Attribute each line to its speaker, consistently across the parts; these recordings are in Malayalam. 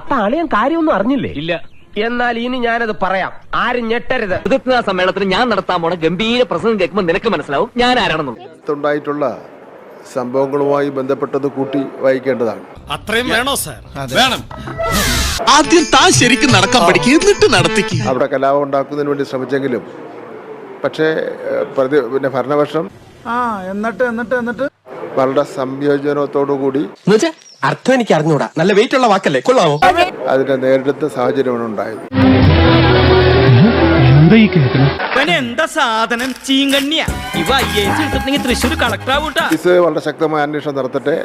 Speaker 1: അപ്പൊ അളിയൻ കാര്യമൊന്നും അറിഞ്ഞില്ലേ?
Speaker 2: ഇല്ല.
Speaker 1: എന്നാൽ ഇനി ഞാനത് പറയാം, ആരും ഞെട്ടരുത്.
Speaker 2: പ്രതിജ്ഞാ സമ്മേളനത്തിന് ഞാൻ നടത്താൻ പോണ ഗംഭീര പ്രസംഗം കേൾക്കുമ്പോൾ നിനക്ക് മനസ്സിലാവും ഞാൻ ആരാണെന്നുള്ളത്.
Speaker 3: ഉണ്ടായിട്ടുള്ള സംഭവങ്ങളുമായി ബന്ധപ്പെട്ടത് കൂട്ടി വായിക്കേണ്ടതാണ്.
Speaker 4: അത്രയും വേണോ സാർ? വേണം.
Speaker 5: ആദ്യം താൻ ശരിക്കും നടക്കാൻ പഠിക്കുക, എന്നിട്ട് നടത്തിക്കുക.
Speaker 3: അവിടെ കലാപം ഉണ്ടാക്കുന്നതിന് വേണ്ടി ശ്രമിച്ചെങ്കിലും പക്ഷേ പിന്നെ ഭരണപക്ഷം എന്നിട്ട് വളരെ സംയോജനത്തോടു കൂടി
Speaker 1: അർത്ഥം എനിക്ക് അറിഞ്ഞൂടാ. നല്ല വെയിറ്റ് ഉള്ള വാക്കല്ലേ, കൊള്ളാമോ?
Speaker 3: അതിനെ നേരിടുന്ന സാഹചര്യമാണ് ഉണ്ടായത്.
Speaker 6: എന്താ സാധനം ചീങ്കണ്ണിയാ ഇവ തൃശ്ശൂർ കളക്ടർ ആവൂട്ടാ.
Speaker 3: വളരെ ശക്തമായ അന്വേഷണം നടത്തട്ടെ.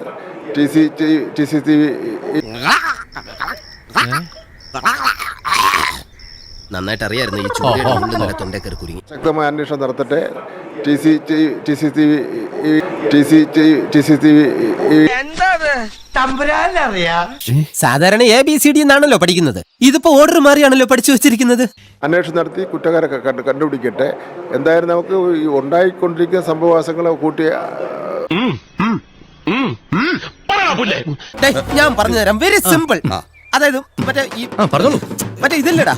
Speaker 7: നന്നായിട്ട് അറിയായിരുന്നു ഈ ചൂട് തൊണ്ടേക്കറി കുരുങ്ങി.
Speaker 3: ശക്തമായ അന്വേഷണം നടത്തട്ടെ.
Speaker 7: സാധാരണ ABCD എന്നാണല്ലോ പഠിക്കുന്നത്, ഇതിപ്പോ ഓർഡർ മാറിയാണല്ലോ പഠിച്ചു വെച്ചിരിക്കുന്നത്.
Speaker 3: അന്വേഷണം നടത്തി കുറ്റക്കാരെ കണ്ടുപിടിക്കട്ടെ. എന്തായാലും നമുക്ക് ഈ ഉണ്ടായിക്കൊണ്ടിരിക്കുന്ന സംഭവവാസങ്ങളെ കൂട്ടി
Speaker 7: ഞാൻ പറഞ്ഞു തരാം, വെരി സിമ്പിൾ. അതായത് മറ്റേ ഇതില്ലടാ,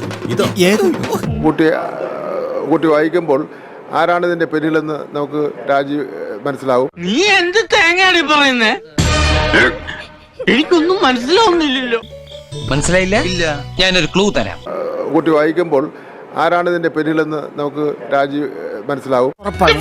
Speaker 3: കൂട്ടി വായിക്കുമ്പോൾ ആരാണ് ഇതിന്റെ പിന്നിലെന്ന് നമുക്ക് മനസ്സിലാവും.
Speaker 6: നീ എന്ത് തേങ്ങയാണ് പറയുന്നേ? എനിക്കൊന്നും മനസ്സിലാവുന്നില്ലല്ലോ.
Speaker 2: മനസ്സിലായില്ല? ഇല്ല. ഞാനൊരു ക്ലൂ തരാം.
Speaker 3: കൂട്ടി വായിക്കുമ്പോൾ ആരാണ് ഇതിന്റെ പിന്നിലെന്ന് നമുക്ക് മനസ്സിലാവും.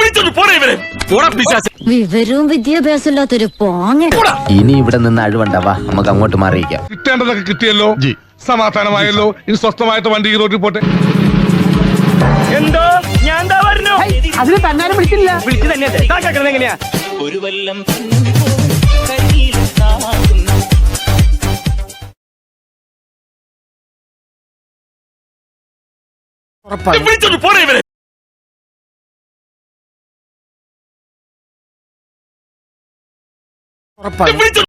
Speaker 8: വിവരവും വിദ്യാഭ്യാസം ഇല്ലാത്തൊരു പോങ്ങ.
Speaker 7: ഇനി ഇവിടെ നിന്ന് അഴിവണ്ടാവാ, നമുക്ക് അങ്ങോട്ട് മാറിയിക്കാം.
Speaker 4: കിട്ടേണ്ടതൊക്കെ കിട്ടിയല്ലോ, സമാധാനമായല്ലോ. ഇനി സ്വസ്ഥമായിട്ട് വണ്ടി ഈ റോഡിൽ പോട്ടെ.
Speaker 6: എന്തോ ഞാൻ പറഞ്ഞു അതിന് തന്നാലും വിളിച്ചില്ല. വിളിച്ചു തന്നെ എങ്ങനെയാ ഒരു വല്ലം